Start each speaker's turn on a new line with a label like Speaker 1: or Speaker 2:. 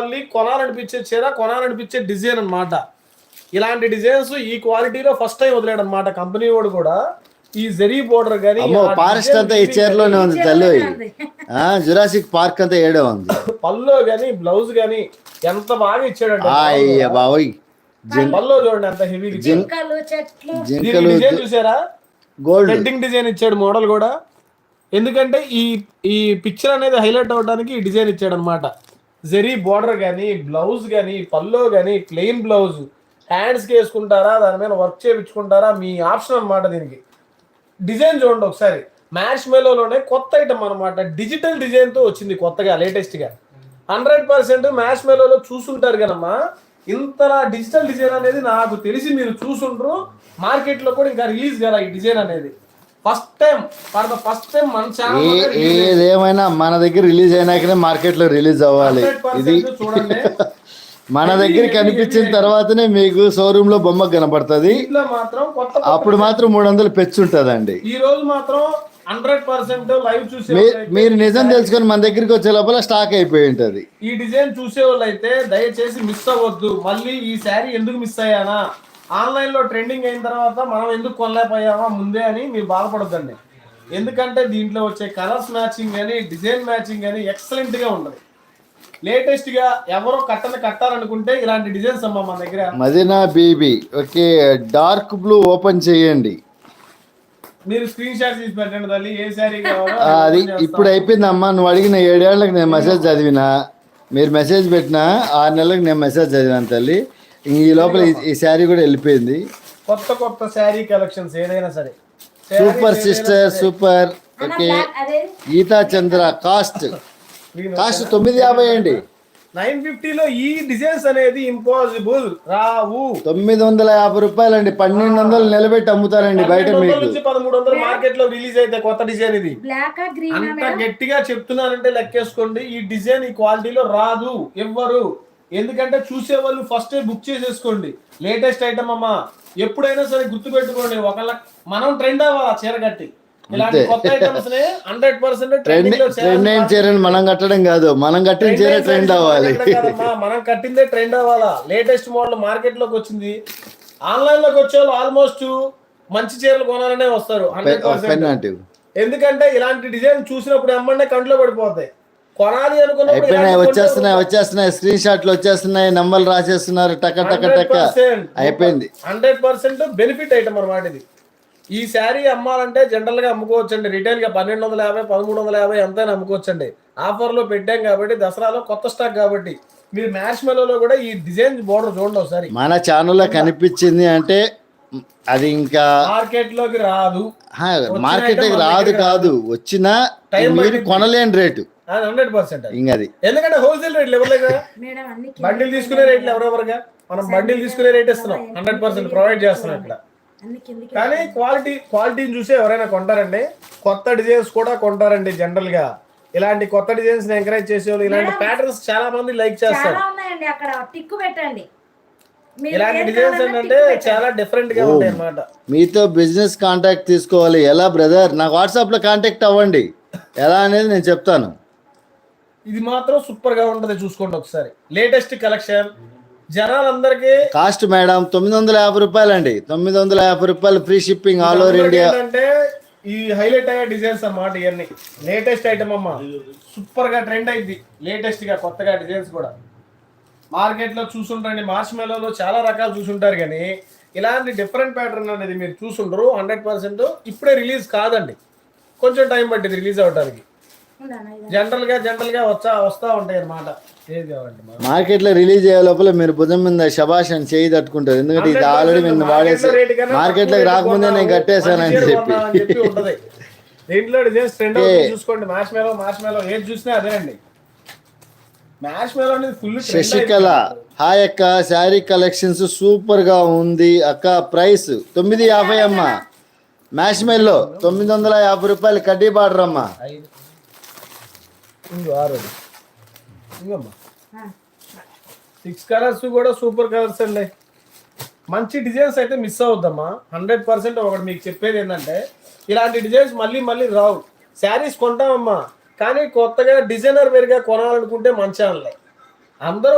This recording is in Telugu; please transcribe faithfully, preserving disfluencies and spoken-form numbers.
Speaker 1: మళ్ళీ కొనాలనిపించే చీర, కొనాలనిపించే డిజైన్ అన్నమాట. ఇలాంటి డిజైన్స్ ఈ క్వాలిటీలో ఫస్ట్ టైం వదిలాడు అనమాట కంపెనీ వాడు కూడా. ఈ జరీ బోర్డర్ గానీ
Speaker 2: ఫారెస్ట్ అంతా ఈ చీరలోనే ఉంది తల్లి. జురాసిక్ పార్క్ అంతా ఏడే ఉంది.
Speaker 1: పల్లో గానీ బ్లౌజ్ గానీ ఎంత బాగా ఇచ్చాడంటే
Speaker 2: బాబోయ్.
Speaker 1: పల్లో చూడండి ఎంత హెవీ
Speaker 2: జింకలు
Speaker 1: డిజైన్ చూసారా,
Speaker 2: గోల్డ్
Speaker 1: వెడ్డింగ్ డిజైన్ ఇచ్చాడు మోడల్ కూడా. ఎందుకంటే ఈ ఈ పిక్చర్ అనేది హైలైట్ అవడానికి ఈ డిజైన్ ఇచ్చాడు అనమాట. జరీ బోర్డర్ కానీ, బ్లౌజ్ కానీ, పల్లో కానీ, ప్లెయిన్ బ్లౌజ్, హ్యాండ్స్కి వేసుకుంటారా, దాని మీద వర్క్ చేయించుకుంటారా, మీ ఆప్షన్ అనమాట. దీనికి డిజైన్ చూడండి ఒకసారి. మ్యాష్ మెలోలోనే కొత్త ఐటమ్ అనమాట, డిజిటల్ డిజైన్తో వచ్చింది కొత్తగా లేటెస్ట్గా. హండ్రెడ్ పర్సెంట్ మ్యాష్ మెలోలో చూసుంటారు కదమ్మా. ఇంతలా డిజిటల్ డిజైన్ అనేది నాకు తెలిసి మీరు చూసుంటారు. మార్కెట్లో కూడా ఇంకా రిలీజ్ కదా ఈ డిజైన్ అనేది. First time for the first time మన ఛానల్
Speaker 2: ఏదేమైనా మన దగ్గర రిలీజ్ అయినాకనే మార్కెట్ లో రిలీజ్ అవ్వాలి. ఇది
Speaker 1: చూడండి,
Speaker 2: మన దగ్గర కనిపించిన తర్వాతనే మీకు షోరూమ్ లో బొమ్మ కనపడుతుంది.
Speaker 1: మాత్రం
Speaker 2: అప్పుడు మాత్రం మూడు వందలు పెంచుంటదండి.
Speaker 1: ఈ రోజు మాత్రం హండ్రెడ్ పర్సెంట్ లైవ్ చూసే
Speaker 2: మీరు నిజం తెలుసుకొని మన దగ్గరికి వచ్చే లోపల స్టాక్ అయిపోయి ఉంటది.
Speaker 1: ఈ డిజైన్ చూసే వాళ్ళు అయితే దయచేసి మిస్ అవ్వద్దు. మళ్ళీ ఈ శారీ ఎందుకు మిస్ అయ్యానా, ఆన్లైన్ లో ట్రెండింగ్ అయిన తర్వాత మనం ఎందుకు కొనలేకపోయామా ముందే అని మీరు బాధపడద్దండి. ఎందుకంటే దీంట్లో వచ్చే కలర్స్ మ్యాచింగ్ కానీ, డిజైన్ మ్యాచింగ్ కానీ ఎక్సలెంట్ గా ఉంటుంది. లేటెస్ట్ గా ఎవరో కట్టని కట్టాలనుకుంటే ఇలాంటి డిజైన్స్ అమ్మా మన దగ్గర.
Speaker 2: Madina Bibi okay, dark blue open చేయండి.
Speaker 1: మీరు స్క్రీన్ షాట్ తీసి పెట్టండి తల్లి, ఏ శారీ కావాలో
Speaker 2: అది ఇప్పుడు అయిపోయిందమ్మా. నువ్వు అడిగిన ఏడేళ్లకు నేను మెసేజ్ చదివినా, మీరు మెసేజ్ పెట్టినా ఆరు నెలలకు నేను మెసేజ్ చదివాను తల్లి. ఈ లోపల ఈ శారీ కూడా వెళ్ళిపోయింది.
Speaker 1: కొత్త కొత్త శారీ కలెక్షన్స్ ఏదైనా సరే
Speaker 2: super sister super. Okay, Geeta Chandra cost cost తొమ్మిది యాభై అండి.
Speaker 1: నైన్ ఫిఫ్టీలో ఈ డిజైన్స్ అనేది ఇంపాసిబుల్ రావు.
Speaker 2: తొమ్మిది వందల యాభై రూపాయలండి. పన్నెండు వందలు నిలబెట్టి అమ్ముతారండి బయట. మీకు
Speaker 1: పదమూడు వందలు మార్కెట్ లో రిలీజ్ అయితే కొత్త డిజైన్ ఇది. అంత గట్టిగా చెప్తున్నానంటే లెక్కేసుకోండి. ఈ డిజైన్ ఈ క్వాలిటీలో రాదు ఎవ్వరు. ఎందుకంటే చూసే వాళ్ళు ఫస్ట్ బుక్ చేసేసుకోండి. లేటెస్ట్ ఐటమ్ అమ్మా, ఎప్పుడైనా సరే గుర్తు పెట్టుకోండి. ఒకళ్ళ మనం ట్రెండ్ అవ్వాలి చీర కట్టి. ఇలాంటి కొత్త ఐటమ్స్ ని హండ్రెడ్ పర్సెంట్
Speaker 2: ట్రెండ్ చీరని మనం కట్టడం కాదు, మనం కట్టిన చీర ట్రెండ్ అవ్వాలి.
Speaker 1: మనం కట్టిందే ట్రెండ్ అవ్వాలా. లేటెస్ట్ మోడల్ మార్కెట్ లోకి వచ్చింది. ఆన్లైన్ లోకి వచ్చే వాళ్ళు ఆల్మోస్ట్ మంచి చీరలు కొనాలనే వస్తారు హండ్రెడ్ పర్సెంట్. ఎందుకంటే ఇలాంటి డిజైన్ చూసినప్పుడు ఎమ్మంటే కంట్లో పడిపోతాయి. కొనాలి
Speaker 2: అనుకున్నాయి, వచ్చేస్తున్నాయి వచ్చేస్తున్నాయి స్క్రీన్ షాట్లు వచ్చేస్తున్నాయి, నంబర్లు రాసేస్తున్నారు, టక టక టక అయిపోయింది.
Speaker 1: హండ్రెడ్ పర్సెంట్ బెనిఫిట్ ఐటమ్ అనమాట ఇది. ఈ శారీ అమ్మాలంటే జనరల్ గా అమ్ముకోవచ్చు అండి. రిటైల్ గా పన్నెండు వందల యాభై పదమూడు వందల యాభై ఎంతైనా అమ్ముకోవచ్చు అండి. ఆఫర్ లో పెట్టాం కాబట్టి, దసరాలో కొత్త స్టాక్ కాబట్టి. మీరు మ్యాష్ మెలోలో కూడా ఈ డిజైన్ బోర్డర్ చూడండి ఒకసారి.
Speaker 2: మన ఛానల్లో కనిపించింది అంటే అది ఇంకా
Speaker 1: మార్కెట్ లోకి రాదు.
Speaker 2: మార్కెట్ లోకి రాదు కాదు, వచ్చినా మీరు కొనలేని రేటు
Speaker 1: హండ్రెడ్ పర్సెంట్.
Speaker 2: ఇంకా అది
Speaker 1: ఎందుకంటే హోల్సేల్ రేట్లు ఎవరు కదా, బండిల్ తీసుకునే రేట్లు ఎవరెవరుగా మనం బండిల్ తీసుకునే రేట్ ఇస్తున్నాం. హండ్రెడ్ పర్సెంట్ ప్రొవైడ్ చేస్తున్నాం ఇక్కడ. కానీ క్వాలిటీ క్వాలిటీని చూసి ఎవరైనా కొంటారండి. కొత్త డిజైన్స్ కూడా కొంటారండి. జనరల్ గా ఇలాంటి కొత్త డిజైన్స్ ఎంకరేజ్ చేసేవాళ్ళు, ఇలాంటి ప్యాటర్న్స్ చాలా మంది లైక్ చేస్తారు. ఇలాంటి డిజైన్స్ ఏంటంటే చాలా డిఫరెంట్ గా ఉంటాయి అన్నమాట.
Speaker 2: మీతో బిజినెస్ కాంటాక్ట్ తీసుకోవాలి ఎలా బ్రదర్, నాకు వాట్సాప్ లో కాంటాక్ట్ అవ్వండి. ఎలా అనేది నేను చెప్తాను.
Speaker 1: ఇది మాత్రం సూపర్ గా ఉంటది, చూసుకోండి ఒకసారి. లేటెస్ట్ కలెక్షన్ జనాలందరికీ.
Speaker 2: కాస్ట్ మేడం తొమ్మిది వందల యాభై రూపాయలు అండి. తొమ్మిది వందల యాభై రూపాయలు free shipping all over India.
Speaker 1: అంటే ఈ హైలైట్ అయ్యే డిజైన్స్ అన్నమాట. ఇవన్నీ లేటెస్ట్ ఐటమ్ అమ్మా, సూపర్ గా ట్రెండ్ అయింది. లేటెస్ట్ గా కొత్తగా డిజైన్స్ కూడా మార్కెట్ లో చూసుంటారండి. మార్చ్ మేళలో చాలా రకాలు చూసుంటారు, కానీ ఇలాంటి డిఫరెంట్ ప్యాటర్న్ అనేది మీరు చూసుంటారు. హండ్రెడ్ పర్సెంట్ ఇప్పుడే రిలీజ్ కాదండి, కొంచెం టైం పట్టింది రిలీజ్ అవడానికి. జనరల్ గా జనరల్ గా వచ్చా వస్తా ఉంటాయి అన్నమాట.
Speaker 2: మార్కెట్ లో రిలీజ్ అయ్యే లోపల మీరు భుజం మీద శబాష్ అని చేయి తట్టుకుంటారు. ఎందుకంటే ఇది ఆల్రెడీ నేను వాడేసి మార్కెట్ లోకి రాకముందే నేను కట్టేశానని చెప్పి.
Speaker 1: దీంట్లో డిజైన్స్ ట్రెండ్ చూసుకోండి. మ్యాష్ మేలో మ్యాష్ మేలో ఏది చూసినా అదేనండి. మ్యాష్ మేలో అనేది ఫుల్.
Speaker 2: శశికళ హాయ్ అక్క, శారీ కలెక్షన్స్ సూపర్ గా ఉంది అక్క. ప్రైస్ తొమ్మిది యాభై అమ్మ. మ్యాష్ మెల్లో తొమ్మిది వందల యాభై రూపాయలు కడ్డీ బార్డర్ అమ్మా.
Speaker 1: సిక్స్ కలర్స్ కూడా సూపర్ కలర్స్ అండి. మంచి డిజైన్స్ అయితే మిస్ అవుద్దమ్మా. Hundred percent. ఒకటి మీకు చెప్పేది ఏంటంటే ఇలాంటి డిజైన్స్ మళ్ళీ మళ్ళీ రావు. శారీస్ కొంటామమ్మా, కానీ కొత్తగా డిజైనర్ వేరుగా కొనాలనుకుంటే మంచి అందరూ